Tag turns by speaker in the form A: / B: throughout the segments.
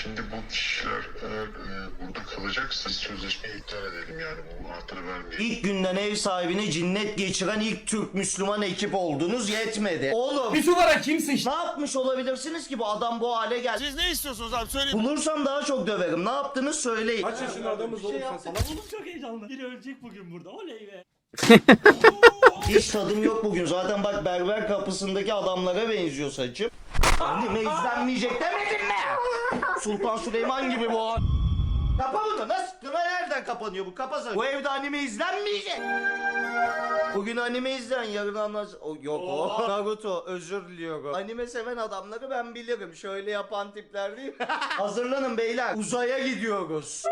A: Şimdi bu kişiler eğer burada kalacaksa sözleşmeyi iptal edelim, yani bu anahtarı vermeyelim.
B: İlk günden ev sahibini cinnet geçiren ilk Türk Müslüman ekip oldunuz, yetmedi. Oğlum
C: Bir numara kimsin?
B: ne yapmış olabilirsiniz ki bu adam bu hale geldi?
D: Siz ne istiyorsunuz abi söyleyin.
B: Bulursam daha çok döverim. Ne yaptınız söyleyin.
C: Kaç yaşında adamız oğlum sen salak mısın?
E: Oğlum çok heyecanlı. Biri ölecek bugün burada. Oley be.
B: Hiç tadım yok bugün. Zaten bak berber kapısındaki adamlara benziyor saçım. Anneme izlenmeyecek demedim mi? Sultan Süleyman gibi bu. Kapa bunu. Nasıl? Nereden kapanıyor bu? Kapasana. Bu evde anime izlenmeyecek. Bugün anime izleyen yarın yok o. Naruto özür diliyorum. Anime seven adamları ben bilirim. Şöyle yapan tipler değil mi? Hazırlanın beyler. Uzaya gidiyoruz.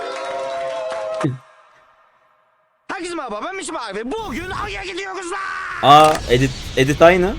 B: Herkese merhaba, ben Mişim abi. Bugün Ay'a gidiyoruz lan.
F: Aa edit aynı.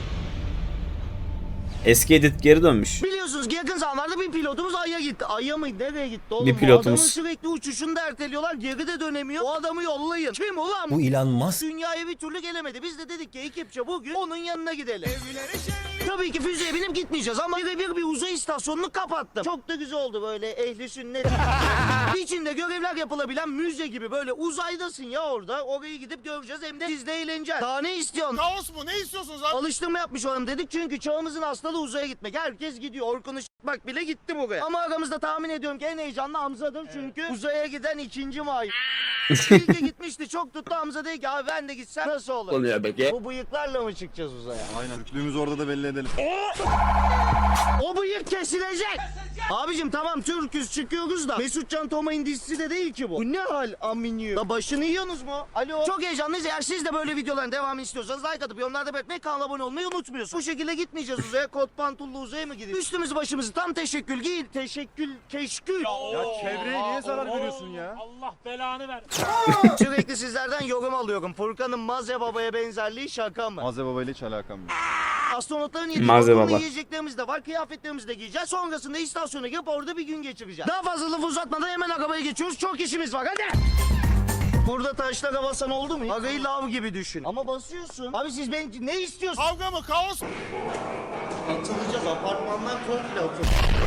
F: Eski edit geri dönmüş.
B: Biliyorsunuz ki yakın zamanlarda bir pilotumuz Ay'a gitti. Ay'a mı? Nereye gitti oğlum?
F: Bir pilotumuz.
B: Bu adamın sürekli uçuşunu da erteliyorlar. Geri de dönemiyor. O adamı yollayın. Kim ulan?
C: Bu Elon Musk.
B: Dünyaya bir türlü gelemedi. Biz de dedik ki ekipçe bugün onun yanına gidelim. Tabii ki füzeye binip gitmeyeceğiz ama birebir bir uzay istasyonunu kapattım. Çok da güzel oldu böyle ehli sünnet. İçinde görevler yapılabilen müze gibi böyle uzaydasın ya orada. Orayı gidip göreceğiz hem de siz de eğleneceğiz. Daha ne istiyorsun?
D: Kaos mu? Ne istiyorsunuz abi?
B: Alıştırma yapmış olalım dedik çünkü çağımızın hastalığı uzaya gitmek. Herkes gidiyor. Orkun'u bak bile gitti buraya. Ama aramızda tahmin ediyorum ki en heyecanlı Hamza'dır çünkü uzaya giden ikinci may. İlke gitmişti çok tuttu, Hamza dedi ki abi ben de gitsem nasıl olur?
F: Oluyor peki.
B: Bu bıyıklarla mı çıkacağız uzaya?
G: Aynen. Türklüğümüzü orada da belli edelim.
B: O bıyık kesilecek. Abicim tamam Türk'üz çıkıyoruz da Mesutcan Tomay'ın dizisi de değil ki bu. Bu ne hal aminyo? La başını yiyorsunuz mu? Alo. Çok heyecanlıyız. Eğer siz de böyle videoların devamını istiyorsanız like atıp yorumlarda belirtmeyi, kanala abone olmayı unutmuyorsunuz. Bu şekilde gitmeyeceğiz uzaya. Kot pantollu uzaya mı gidiyoruz? Üstümüzü başımızı tam teşekkül giyin. Keşkül.
G: Ya çevreye niye zarar veriyorsun ya?
E: Allah belanı ver.
B: Sürekli sizlerden yorum alıyorum. Furkan'ın Maze Baba'ya benzerliği şaka mı?
G: Maze Baba ile hiç alakam yok.
B: Astronotların yediği
F: Maze
B: dokunma
F: Baba.
B: yiyeceklerimiz de var. Kıyafetlerimizi de giyeceğiz. Sonrasında istasyona girip orada bir gün geçireceğiz. Daha fazla lafı uzatmadan hemen arabaya geçiyoruz. Çok işimiz var hadi. Burada taşlara basan oldu mu? Arayı lav gibi düşün. Ama basıyorsun. Abi siz ne istiyorsunuz?
D: Kavga mı? Kaos mu?
B: Atılacağız apartmandan komple atıl.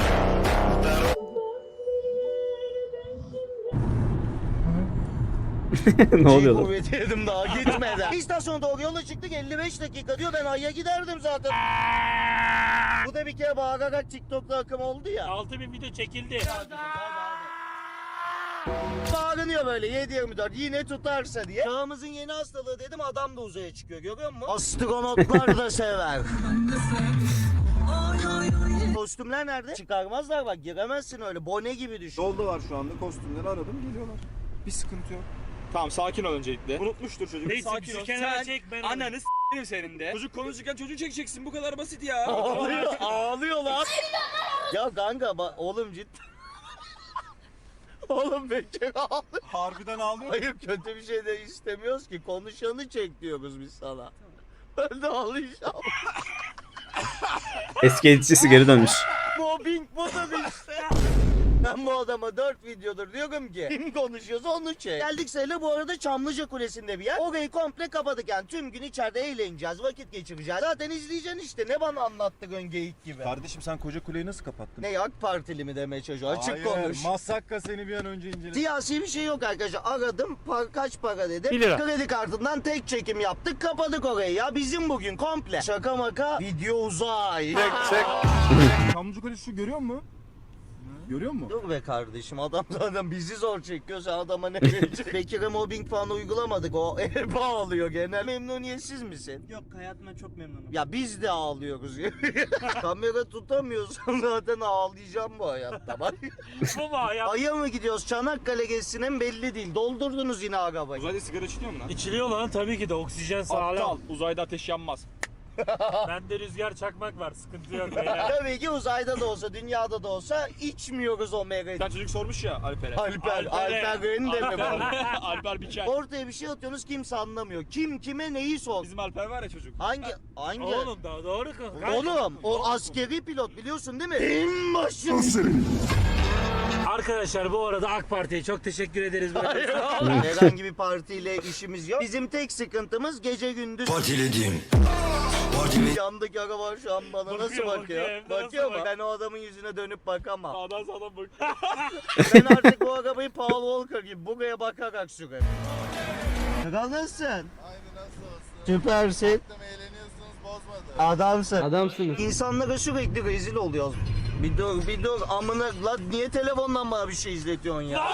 F: Ne oluyor lan?
B: Kuvveti yedim daha gitmeden. İstasyona doğru yola çıktık 55 dakika diyor, ben Ay'a giderdim zaten. Bu da bir kere bağırarak TikTok'ta akım oldu ya.
E: 6000 video çekildi.
B: Bağırınıyor böyle 7/24 yine tutarsa diye. Çağımızın yeni hastalığı dedim, adam da uzaya çıkıyor görüyor musun? Astronotlar da sever. Kostümler nerede? Çıkarmazlar bak, giremezsin öyle bone gibi düşün.
G: Yolda var şu anda, kostümleri aradım, geliyorlar. Bir sıkıntı yok. Tamam, sakin ol öncelikle. Unutmuştur çocuk.
E: Neyse
G: Sakin
E: bizi
G: ol.
E: kenara çek ben
H: Ananı s**erim senin de. Çocuk konuşurken çocuğu çekeceksin, bu kadar basit ya.
B: Ağlıyor lan. Ya kanka oğlum cidden. Oğlum bekle ağlıyor.
G: Harbiden ağlıyor.
B: Hayır kötü bir şey de istemiyoruz ki, konuşanı çek diyoruz biz sana. Ben de ağlayacağım.
F: Eski editçisi geri dönmüş.
B: Mobbing bu da işte. Ben bu adama 4 videodur diyorum ki kim konuşuyorsa onu çek. Geldik Seyle, bu arada Çamlıca Kulesi'nde bir yer. Orayı komple kapadık yani tüm gün içeride eğleneceğiz, vakit geçireceğiz. Zaten izleyeceksin işte, ne bana anlattın geyik gibi.
G: Kardeşim sen koca kuleyi nasıl kapattın?
B: Ne AK Partili mi demeye çalışıyor, açık
G: Hayır,
B: konuş.
G: Masakka seni bir an önce incele.
B: Siyasi bir şey yok arkadaşlar. Aradım, kaç para dedim.
E: 1 lira.
B: Kredi kartından tek çekim yaptık, kapadık orayı ya. Bizim bugün komple. Şaka maka video uzay.
G: Çamlıca Kulesi şu görüyor musun? Görüyor musun?
B: Dur be kardeşim, adam zaten bizi zor çekiyor, sen adama ne vereceksin? Bekir'e mobbing falan uygulamadık, o hep ağlıyor genel. Memnuniyetsiz misin?
E: Yok hayatımdan çok memnunum.
B: Ya biz de ağlıyoruz. Kamera tutamıyorsan zaten ağlayacağım bu hayatta. Bak.
E: Bu mu hayat?
B: Ay'a mı gidiyoruz, Çanakkale gezisine mi belli değil. Doldurdunuz yine arabayı.
H: Uzayda sigara içiliyor mu lan?
E: İçiliyor lan tabii ki de oksijen
H: Aptal,
E: sağlam.
H: uzayda ateş yanmaz.
E: Bende rüzgar çakmak var, sıkıntı yok beyler.
B: Tabii ki uzayda da olsa, dünyada da olsa içmiyoruz o
H: Bir
B: mega.
H: tane çocuk sormuş ya Alper'e.
B: Alper Reni de mi bu?
H: Alper Biçer.
B: Ortaya bir şey atıyorsunuz, kimse anlamıyor. Kim kime neyi sor?
H: Bizim Alper var ya çocuk.
B: Hangi?
E: Oğlum da doğru kanka.
B: Oğlum o askeri pilot biliyorsun değil mi? En başı.
E: Arkadaşlar bu arada AK Parti'ye çok teşekkür ederiz. Böyle.
B: Herhangi bir partiyle işimiz yok. Bizim tek sıkıntımız gece gündüz.
I: Partilediğim,
B: Yandaki araba şu an bana nasıl
E: Bakıyor,
B: bakıyor?
E: bakıyor, hem de
B: Bakıyor
E: nasıl
B: mu? Ben o adamın yüzüne dönüp bakamam.
G: Sağdan sağdan bak.
B: Ben artık bu arabayı Paul Walker gibi buraya bakarak sürerim. Kral nasılsın?
D: Aynı nasıl olsun?
B: Süpersin.
D: Eğleniyorsunuz bozmadı.
B: Adamsın.
C: Adamsınız.
B: İnsanlara sürekli rezil oluyoruz. Bir dur amına lan niye telefondan bana bir şey izletiyorsun ya?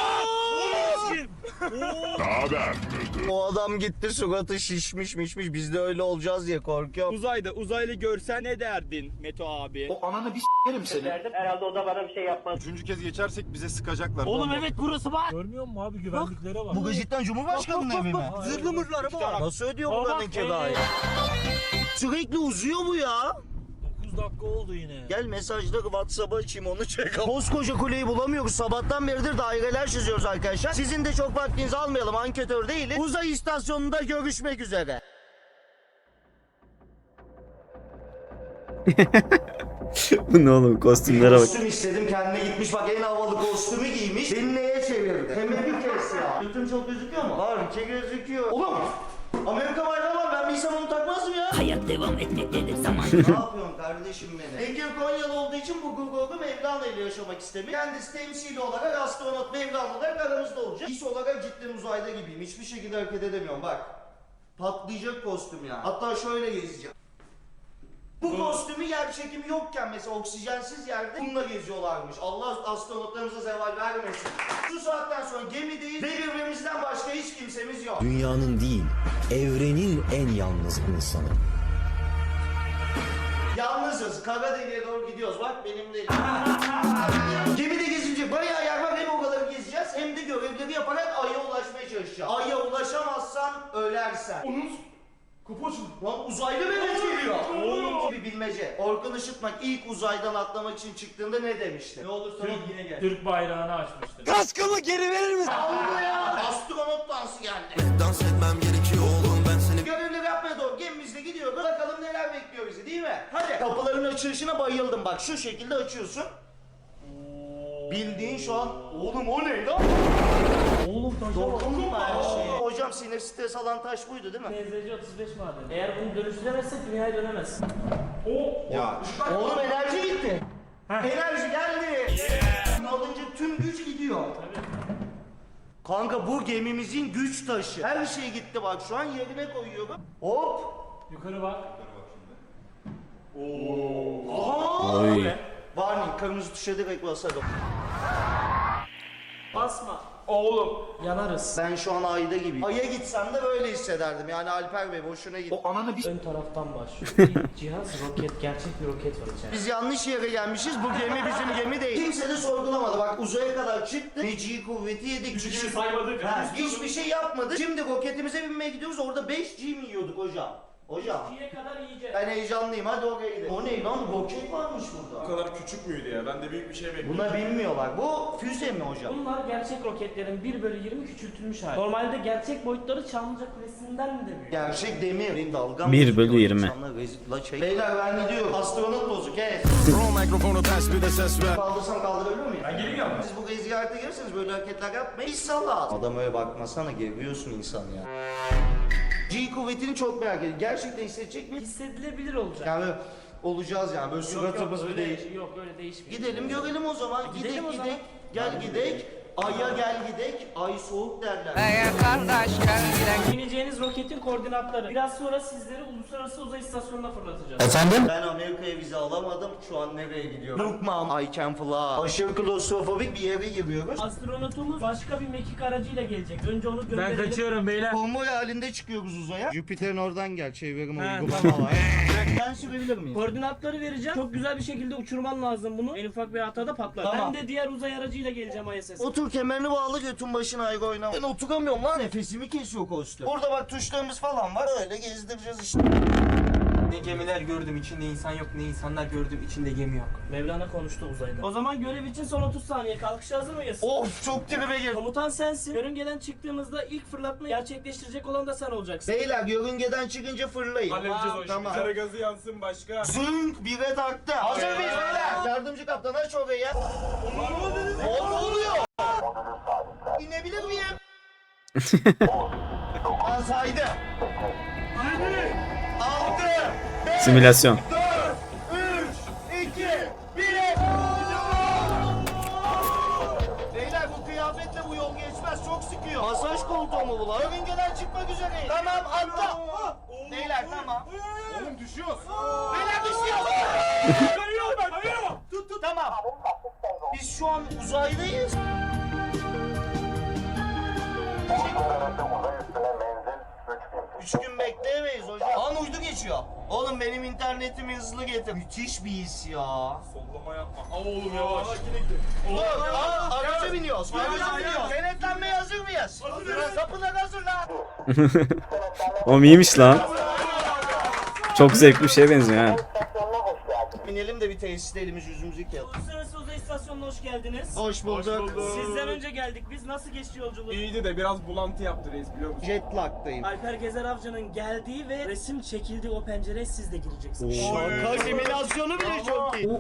B: O adam gitti suratı şişmiş biz de öyle olacağız diye korkuyorum.
G: Uzayda uzaylı görsen ne derdin Meto abi?
B: Herhalde o da bana bir şey yapmaz.
C: Üçüncü kez geçersek bize sıkacaklar.
E: Oğlum evet burası bak. Görmüyor musun abi güvenliklere bak.
B: Bu cidden Cumhurbaşkanı'nın evi mi?
E: Zırhlı mırlı araba var.
B: Nasıl ödüyor
E: Baba,
B: buranın kirayı? Sürekli uzuyor bu ya.
E: 9 dakika oldu yine.
B: Gel mesajları WhatsApp'a açayım onu çek. Koskoca kuleyi bulamıyoruz. Sabahtan beridir daireler çiziyoruz arkadaşlar. Sizin de çok vaktinizi almayalım. Anketör değiliz. Uzay istasyonunda görüşmek üzere.
F: Bu ne oğlum kostümlere bak.
B: Kostüm istedim kendine gitmiş bak en havalı kostümü giymiş. Beni neye çevirdi? Hemen bir kez ya. Götüm çok gözüküyor mu? Var ki gözüküyor. Oğlum! Amerika bayrağı var ben bilsem onu takmazdım ya.
I: Hayat devam etmektedir zaman.
B: Ne yapıyorsun kardeşim beni? Bekir Konyalı olduğu için bu Gurgur'u Mevlana ile yaşamak istemiyor. Kendisi temsili olarak astronot Mevlana olarak aramızda olacak. İş olarak cidden uzayda gibiyim. Hiçbir şekilde hareket edemiyorum bak. Patlayacak kostüm ya. Hatta şöyle gezeceğim. Bu kostümü yer çekimi yokken mesela oksijensiz yerde bununla geziyorlarmış. Allah astronotlarımıza zeval vermesin. Şu saatten sonra gemideyiz ve birbirimizden başka hiç kimsemiz yok.
J: Dünyanın değil, evrenin en yalnız insanı.
B: Yalnızız. Kara deliğe doğru gidiyoruz. Bak benim de gemide gezince bayağı yer var. Hem o kadar gezeceğiz hem de görevleri yaparak Ay'a ulaşmaya çalışacağız. Ay'a ulaşamazsan ölersen. Lan uzaylı Mehmet geliyor. Oğlum bir bilmece. Orkun Işıtmak ilk uzaydan atlamak için çıktığında ne demişti? Ne olursa ol yine gel.
E: Türk bayrağını açmıştır.
C: Kaskımı geri verir misin?
B: Allah ya. Astronot dansı geldi.
J: Dans etmem gerekiyor oğlum ben seni.
B: Görevleri yapmaya doğru gemimizde gidiyoruz. Bakalım neler bekliyor bizi değil mi? Hadi. Kapıların açılışına bayıldım bak şu şekilde açıyorsun. Bildiğin şu an oğlum o ne lan?
E: Oğlum taşa bak.
B: Dokunma her şeye. Hocam sinir stres alan taş buydu değil mi?
E: TZC 35 madeni. Eğer bunu dönüştüremezsek dünyaya dönemezsin.
C: Ya
B: Oğlum enerji gitti. Enerji geldi. Alınca tüm güç gidiyor. Kanka bu gemimizin güç taşı. Her şey gitti bak şu an yerine koyuyorum. Hop.
E: Yukarı bak.
B: Aha.
F: Oy.
B: Warning kırmızı tuşa direkt basarım.
E: Basma.
G: Oğlum.
E: Yanarız.
B: Ben şu an ayda gibiyim. Ay'a gitsem de böyle hissederdim. Yani Alper Bey boşuna git.
E: Ön taraftan başlıyor. İlk cihaz roket, gerçek bir roket var içeride.
B: Biz yanlış yere gelmişiz. Bu gemi bizim gemi değil. Kimse de sorgulamadı. Bak uzaya kadar çıktık. Neci'yi kuvveti yedik.
E: Hiçbir şey saymadık.
B: Hiçbir şey yapmadık. Şimdi roketimize binmeye gidiyoruz. Orada 5G mi yiyorduk hocam? Hocam.
E: İkiye kadar yiyeceğiz.
B: Ben heyecanlıyım. Hadi oraya gidelim. O ne lan? Roket varmış burada.
C: bu kadar küçük müydü ya? Ben de büyük bir şey bekliyordum.
B: Buna bilmiyorlar. Bu füze mi hocam?
E: Bunlar gerçek roketlerin 1/20 küçültülmüş hali. Normalde gerçek boyutları Çamlıca Kulesi'nden de büyük.
B: Gerçek demir. Benim dalgam
F: 1/20.
B: İnsanlar rezil la şey. Beyler ben gidiyorum. Astronot bozuk he. Kaldırsam kaldırabiliyor muyum? Ben geleyim ya. Siz bu gezi ziyarete gelirseniz böyle hareketler yapmayın. Biz salak. Adam öyle bakmasana geriyorsun insan ya. G kuvvetini çok merak ediyorum. Gerçekten hissedecek mi?
E: Hissedilebilir olacak.
B: Yani olacağız yani böyle suratımız
E: öyle
B: değil.
E: Yok öyle değişmiyor.
B: Gidelim görelim o zaman.
E: Gidelim o zaman.
B: Gidek. Gel gidek. Ay'a gel gidek. Ay soğuk derler.
E: Bineceğiniz roketin koordinatları. Biraz sonra sizleri uluslararası uzay istasyonuna fırlatacağız.
B: Ben Amerika'ya vize alamadım. Şu an nereye gidiyorum? Look mom, I can fly. Aşırı klostrofobik bir yere giriyoruz.
E: Astronotumuz başka bir mekik aracıyla gelecek. Önce onu gönderelim. Ben kaçıyorum beyler.
B: Konvoy halinde çıkıyoruz uzaya. Jüpiter'in oradan gel. Çevirim uygulama var. Ben sürebilir miyim?
E: Koordinatları vereceğim. Çok güzel bir şekilde uçurman lazım bunu. En ufak bir hatada patlar.
B: Tamam.
E: Ben de diğer uzay aracıyla geleceğim ISS.
B: Otur kemerini bağlı götün başına ayrı oynama. Ben oturamıyorum lan. Nefesimi kesiyor kostüm. Burada bak tuşlarımız falan var. Öyle gezdireceğiz işte.
H: Ne gemiler gördüm içinde insan yok, ne insanlar gördüm içinde gemi yok.
E: Mevlana konuştu uzayda. O zaman görev için son 30 saniye. Kalkışa hazır mıyız?
B: Of çok tribe girdim.
E: Komutan sensin. Yörüngeden çıktığımızda ilk fırlatmayı gerçekleştirecek olan da sen olacaksın.
B: Beyler yörüngeden çıkınca fırlayın.
C: Halledeceğiz o işi.
B: Tamam.
C: Kara gazı yansın başka.
B: Zünk bire taktı. Hazır mıyız beyler? Yardımcı kaptan aç orayı. Ne oluyor? İnebilir miyim? Ben saydım. 6, 5,
F: Simülasyon.
B: 3, 2, 1. Beyler bu kıyafetle bu yol geçmez. Çok sıkıyor. Masaj koltuğu mu bu lan? Yörüngeden çıkmak üzereyim. Tamam atla. Beyler tamam.
C: Oğlum düşüyoruz.
B: Beyler düşüyor.
C: Kayıyor ben kayıyor.
B: Tut. Tamam. Biz şu an uzaydayız. Üç gün bekleyemeyiz hocam. An uydu geçiyor. Oğlum benim internetimi hızlı getir. Müthiş bir his ya.
C: Sollama yapma. Al oğlum yavaş.
B: Dur, araca biniyoruz. Araca biniyoruz. Denetlenmeye hazır mıyız? Hazırız. Kapılar hazır lan.
F: O iyiymiş lan. Çok zevkli bir şeye benziyor ha.
B: Binelim de bir tesiste elimiz yüzümüzü yıkayalım.
E: Uluslararası Uzay İstasyonu'na hoş geldiniz.
B: Hoş bulduk.
E: Sizden önce geldik. Biz nasıl geçti yolculuk?
C: İyiydi de biraz bulantı yaptı reis biliyor musun?
B: Jet lag'dayım.
E: Alper Gezer Avcı'nın geldiği ve resim çekildiği o pencereye siz de gireceksiniz.
B: Şaka simülasyonu bile çok iyi.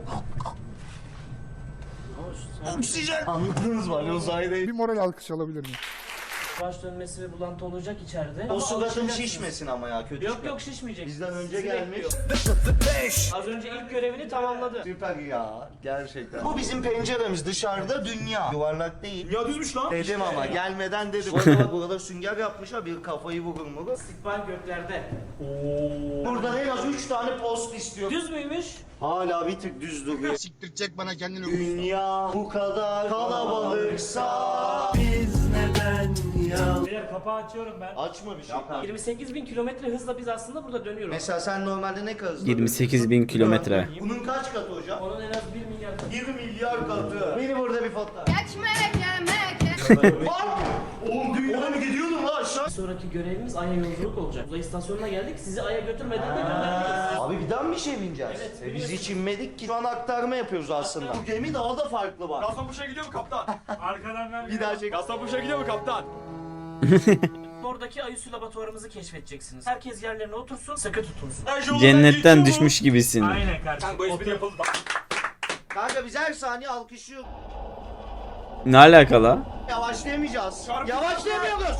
B: Oksijen. Anladınız mı? Hani uzaydayım.
D: Bir moral alkış alabilir miyim?
E: Baş dönmesi ve bulantı olacak içeride.
B: O
E: Ama
B: suratım
E: alışacaksınız.
B: şişmesin ama ya kötü.
E: Yok yok şişmeyecek.
B: Bizden önce
E: Sizi
B: gelmiş.
E: bekliyor. Az önce ilk görevini tamamladı.
B: Süper ya gerçekten. Bu bizim penceremiz dışarıda dünya. Yuvarlak değil.
C: Ya düzmüş lan.
B: Dedim ama gelmeden dedim. Bu arada burada sünger yapmışlar bir kafayı vurur mu?
E: İstikbal göklerde.
B: Buradan en az 3 tane post istiyor.
E: Düz müymüş?
B: Hala bir tık düz duruyor.
D: Siktirecek bana kendini.
B: Dünya bu kadar kalabalıksa biz neden ya?
E: Beyler kapağı açıyorum ben.
B: Açma bir şey.
E: 28.000 kilometre hızla biz aslında burada dönüyoruz.
B: Mesela sen normalde ne kadar hızlı
F: 28.000 kilometre.
B: Bunun kaç katı hocam?
E: Onun en az 1 milyar katı.
B: 1 milyar katı. Beni burada bir fotoğraf.
D: Ekmek yemek.
B: Bak! Oğlum dünyaya mı gidiyordun lan aşağı?
E: Bir sonraki görevimiz Ay'a yolculuk olacak. Uzay istasyonuna geldik. Sizi Ay'a götürmeden de göndermeyiz.
B: Abi bir daha mı bir şey bineceğiz?
E: Evet,
B: Biz hiç inmedik ki. Şu an aktarma yapıyoruz aslında. Bu gemi daha da farklı bak.
C: Kasapuşa gidiyor mu kaptan?
E: Arkadan ver.
B: Bir daha çek.
C: Kasapuşa gidiyor mu kaptan?
E: Oradaki Ayüsü laboratuvarımızı keşfedeceksiniz. Herkes yerlerine otursun, sıkı tutunsun.
F: Cennetten düşmüş gibisin.
E: Aynen kardeşim.
C: Bu espri yapıldı bak.
B: Kanka biz her saniye alkışlıyoruz.
F: Ne alakalı?
B: Yavaşlayamayacağız. Yavaşlayamıyoruz.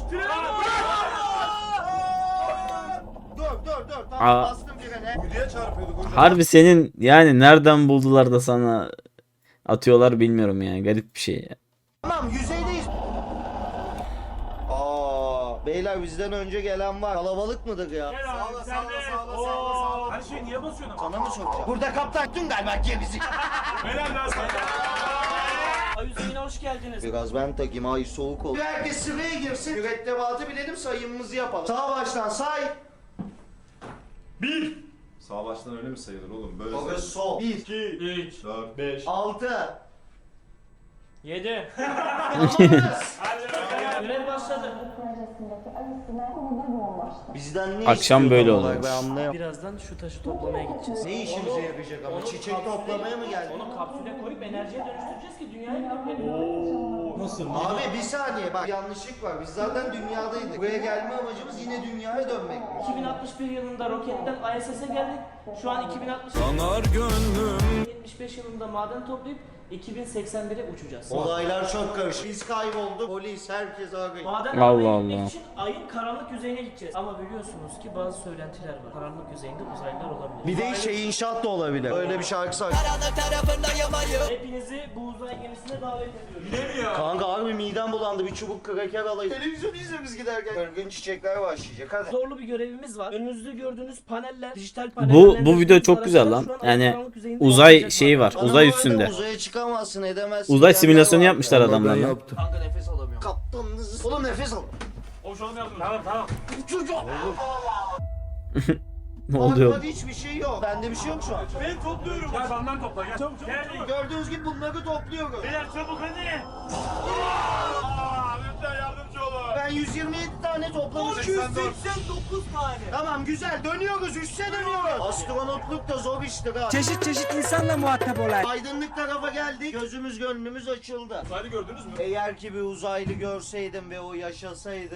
B: Dur. Tamam
F: Aa.
B: bastım frene.
C: Uyduya çarpıyorduk hocam.
F: Harbi senin yani nereden buldular da sana atıyorlar bilmiyorum yani. Garip bir şey ya.
B: Tamam yüzeydeyiz. Beyler bizden önce gelen var. Kalabalık mıdır ya?
C: Her şeyi niye basıyorsun?
B: Sana mı sokacağım? Burada kaptan tüm galiba gemizi.
C: Helal lan sana.
E: Ayüsü yine hoş geldiniz.
B: Biraz ben takayım ay soğuk oldu. Herkes sıraya girsin. Mürettebatı bilelim sayımımızı yapalım. Sağ baştan say.
C: Sağ baştan öyle mi sayılır oğlum? Böyle
B: Baba sol. 1,
C: 2, 3, 4, 5.
B: 6.
E: 7.
B: Tamamız.
E: Görev başladı.
B: Bizden ne
F: Akşam
B: istiyor
F: böyle
B: tam olarak?
F: olurmuş.
B: Ben anlayamadım.
E: Birazdan şu taşı toplamaya gideceğiz.
B: Ne işimize yarayacak ama?
E: onu
B: Çiçek
E: kapsüle-
B: toplamaya mı geldik?
E: Onu kapsüle koyup enerjiye dönüştüreceğiz ki dünyaya gidelim.
C: Nasıl?
B: Abi bir saniye bak yanlışlık var. Biz zaten dünyadaydık. Buraya gelme amacımız yine dünyaya dönmek.
E: 2061 yılında roketten ISS'e geldik. Şu an 2060 75 yılında maden toplayıp 2081'e uçacağız.
B: Olaylar çok karışık. Biz kaybolduk. Polis herkes arıyor.
E: Maden
F: Allah
E: almaya gitmek
F: Allah.
E: için ayın karanlık yüzeyine gideceğiz. Ama biliyorsunuz ki bazı söylentiler var. Karanlık yüzeyinde uzaylılar olabilir.
B: Bir de şey inşaat da olabilir. Öyle bir şarkı say.
E: Hepinizi bu uzay gemisine davet ediyorum.
B: Kanka harbi midem bulandı. Bir çubuk kraker alayım. Televizyon izliyoruz giderken. Örgün çiçekler başlayacak hadi.
E: Zorlu bir görevimiz var. Önünüzde gördüğünüz paneller, dijital paneller.
F: Bu video çok güzel lan. Yani uzay şeyi var.
B: Bana
F: Uzay
B: bu arada
F: üstünde.
B: Uzaya çıkamazsın edemezsin.
F: Uzay
B: diyenler
F: simülasyonu
B: var.
F: yapmışlar adamlar lan.
B: Kanka nefes alamıyorum. Kaptanınız. Oğlum nefes al.
C: O şu an yardım.
E: Tamam.
B: Çocuk.
F: Ne oluyor?
B: Bak, hiçbir şey yok. Bende bir şey yok şu an.
C: Ben topluyorum. Gel benden topla gel. Çabuk.
B: Gördüğünüz gibi bunları topluyoruz.
C: Beyler çabuk hadi. Lütfen yardımcı olun.
B: Ben 127 tane toplamışım.
C: 289 tane.
B: Tamam güzel dönüyoruz üste dönüyoruz. Astronotluk da zor iştir ha.
J: Çeşit insanla muhatap olan.
B: Aydınlık tarafa geldik. Gözümüz gönlümüz açıldı.
C: Saydı gördünüz mü?
B: Eğer ki bir uzaylı görseydim ve o yaşasaydı.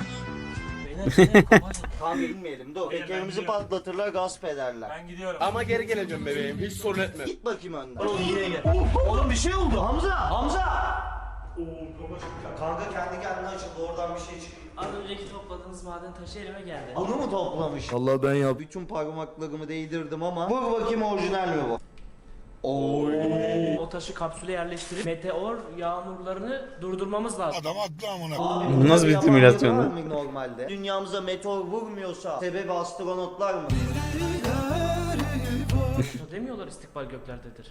B: Tam inmeyelim dur. Tekerimizi patlatırlar gasp ederler.
C: Ben gidiyorum. Ama geri geleceğim bebeğim. Hiç sorun etme.
B: Git bakayım önden. Oğlum bir şey oldu. Hamza! Hamza! Kanka kendi kendine açıldı oradan bir şey çıktı.
E: Az önceki topladığınız maden taşı elime geldi.
B: Bunu mu toplamış?
J: Allah ben yaptım.
B: Bütün parmaklarımı değdirdim ama. Vur bakayım orijinal mi bu? Oy.
E: O taşı kapsüle yerleştirip meteor yağmurlarını durdurmamız lazım.
D: Adam haklı amına.
B: Abi,
F: Bu nasıl bir
B: yabancı
F: simülasyon
B: var
F: lan?
B: mı Normalde. Dünyamıza meteor vurmuyorsa sebebi astronotlar mı?
E: Demiyorlar istikbal göklerdedir.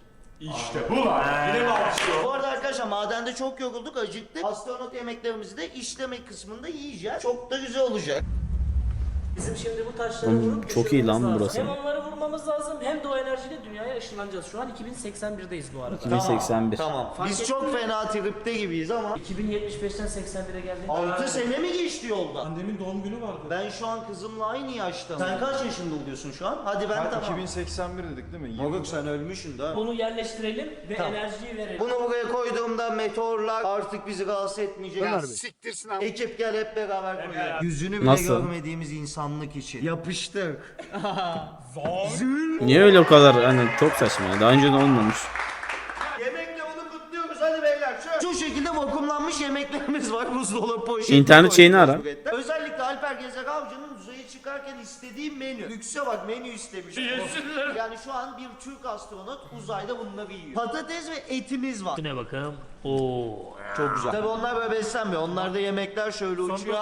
B: Bu arada arkadaşlar madende çok yorulduk, acıktık. Astronot yemeklerimizi de işleme kısmında yiyeceğiz. Çok da güzel olacak.
E: Bizim şimdi bu taşları
F: Oğlum,
E: vurup
F: çok iyi lan
E: düşürmemiz
F: burası.
E: lazım. Hem onları vurmamız lazım hem de o enerjiyle dünyaya ışınlanacağız. Şu an 2081'deyiz bu arada.
F: 2081.
B: Tamam. Biz çok fena tripte gibiyiz ama
E: 2075'ten 81'e geldik.
B: 6 sene mi geçti yolda?
C: Annemin doğum günü vardı.
B: Ben şu an kızımla aynı yaştayım. Sen kaç yaşında oluyorsun şu an? Hadi ben tamam.
G: 2081 dedik değil mi?
B: Moruk sen ölmüşsün daha.
E: Bunu yerleştirelim ve
B: Tamam.
E: enerjiyi verelim.
B: Bunu buraya koyduğumda meteorlar artık bizi rahatsız etmeyecek.
D: Ya siktirsin abi.
B: Ekip gel hep beraber koyalım. Yüzünü bile
F: Nasıl?
B: görmediğimiz insanlık için. Yapıştık.
F: Niye öyle o kadar hani çok saçma ya. Daha önce de olmamış.
B: Yemekle bunu kutluyoruz hadi beyler. Şu şekilde vakumlanmış yemeklerimiz var. Buzdolabı poşeti.
F: İnternet şeyini ara.
B: Özellikle Alper Gezek Avcı'nın uzaya çıkarken istediği menü. Lükse bak menü istemiş. Yani şu an bir Türk astronot uzayda bunları yiyor. Patates ve etimiz var.
E: Ne bakalım. Oo.
B: Çok güzel. Tabii onlar böyle beslenmiyor. Onlarda yemekler şöyle uçuyor.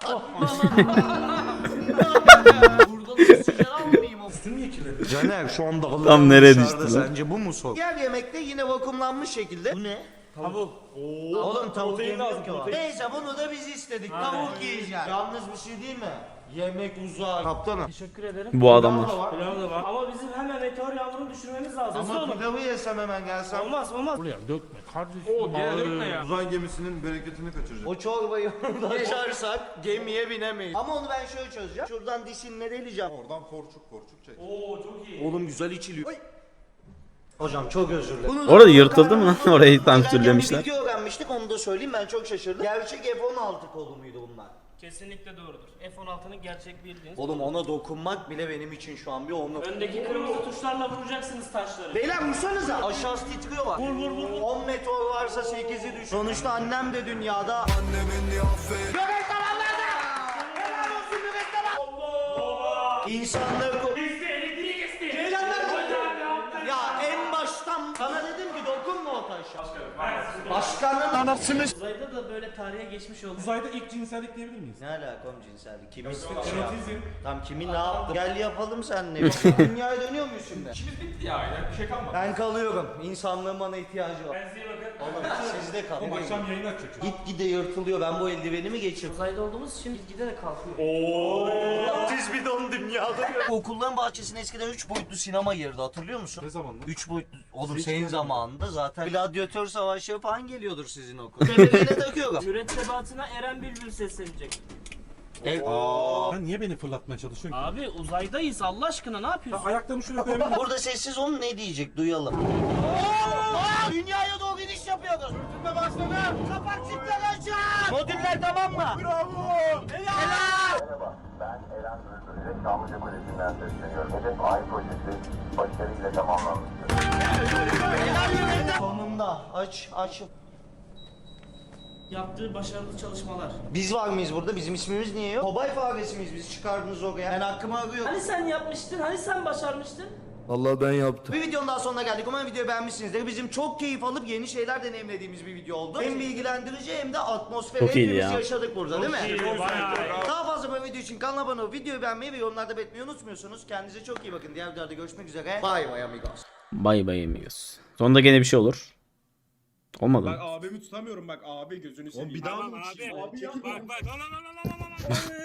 B: Burada da oksijen almayayım o. Üstün niye kirli? Caner şu anda Allah'ın
F: Tam nereye
B: dışarıda.
F: düştü lan?
B: Sence bu mu sorun? Diğer yemekte yine vakumlanmış şekilde. Bu ne?
C: Tavuk.
B: Oğlum tavuk
C: protein
B: yemiyor
C: lazım,
B: ki o.
C: protein.
B: Neyse bunu da biz istedik. Tavuk yiyeceğiz. Yalnız bir şey değil mi? Yemek uzak. Kaptanım.
E: Teşekkür ederim.
F: Bu adamlar.
E: Pilav da var. Ama bizim hemen meteor yağmurunu düşürmemiz lazım. Hızlı
B: Ama
E: olun.
B: pilavı yesem hemen gelsem.
E: Olmaz olmaz.
C: O gene dökme ya.
G: Uzay gemisinin bereketini kaçıracak.
B: O çorbayı oradan açarsak gemiye binemeyiz. Ama onu ben şöyle çözeceğim. Şuradan dişinle deleceğim.
G: Oradan korçuk çek.
C: Oo çok iyi.
B: Oğlum güzel içiliyor. Hocam çok özür dilerim.
F: Orada yırtıldı mı lan? Orayı tam
B: Bir
F: türlemişler.
B: video öğrenmiştik onu da söyleyeyim ben çok şaşırdım. Gerçek F-16 kolu muydu bunlar?
E: Kesinlikle doğrudur. F-16'nın gerçek bildiğiniz.
B: Oğlum ona dokunmak bile benim için şu an bir onur.
E: Öndeki kırmızı tuşlarla vuracaksınız taşları.
B: Beyler vursanıza. Aşağısı titriyor bak. Vur. 10 meteor varsa 8'i düş. Sonuçta annem de dünyada. Annemin Göbek tamamladı. Helal olsun göbek tamam. Allah. İnsanları Ya en baştan sana dedim ki dokunma o taşa. Başkanın anasını.
E: Uzayda da böyle tarihe geçmiş oldu.
C: Uzayda ilk cinsellik diyebilir miyiz?
B: Ne alaka oğlum cinsellik? Kimin
C: Erotizm.
B: Tam kimin ne yaptı? Gel yapalım seninle. Dünyaya dönüyor muyuz şimdi?
C: İşimiz bitti ya. Bir şey kalmadı.
B: Ben kalıyorum. İnsanlığın bana ihtiyacı var.
E: Kendinize iyi bakın.
B: Oğlum sizde kalın.
C: Oğlum akşam yayın açacak.
B: Git gide yırtılıyor. Ben bu eldiveni mi geçirdim?
E: Uzayda olduğumuz için gide de kalkıyor.
B: Siz bir don dünyada. Okulların bahçesine eskiden 3 boyutlu sinema girdi hatırlıyor musun?
C: Ne zaman lan?
B: 3 boyutlu. Oğlum senin zamanında zaten gladyatör savaşı falan geliyordur sizin okul. Tepelerine takıyorum.
E: Mürettebatına Eren Bülbül seslenecek.
C: Sen niye beni fırlatmaya çalışıyorsun ki?
E: Abi uzaydayız Allah aşkına ne yapıyorsun?
C: Ayaklarımı şuraya koyabilir miyim?
B: Burada sessiz olun ne diyecek duyalım. Dünyaya doğru gidiş yapıyoruz. Sürtünme başladı. Kapak çiftler açın. Modüller tamam mı? Bravo. Helal.
A: Merhaba, ben Eren Bülbül ile Çamlıca Kulesi'nden sesleniyorum. Hedef Ay projesi başarıyla tamamlanmıştır.
B: Sonunda aç.
E: Yaptığı başarılı çalışmalar.
B: Biz var mıyız burada? Bizim ismimiz niye yok? Kobay faresi miyiz biz çıkardınız oraya? Ben hakkımı arıyorum.
E: Hani sen yapmıştın? Hani sen başarmıştın?
J: Allah ben yaptım.
B: Bir videonun daha sonuna geldik. Umarım videoyu beğenmişsinizdir. Bizim çok keyif alıp yeni şeyler deneyimlediğimiz bir video oldu. Hem bilgilendirici hem de atmosferi
F: Çok iyiydi
B: hepimiz
F: ya.
B: yaşadık burada değil mi? Daha fazla böyle video için kanala abone olup videoyu beğenmeyi ve yorumlarda belirtmeyi unutmuyorsunuz. Kendinize çok iyi bakın. Diğer videolarda görüşmek üzere. Bye bye amigos.
F: Bay bay amigos. Sonunda gene bir şey olur. Olmadı mı?
C: Abimi tutamıyorum bak abi gözünü seveyim.
G: Bir daha mı? Abi
C: yapma.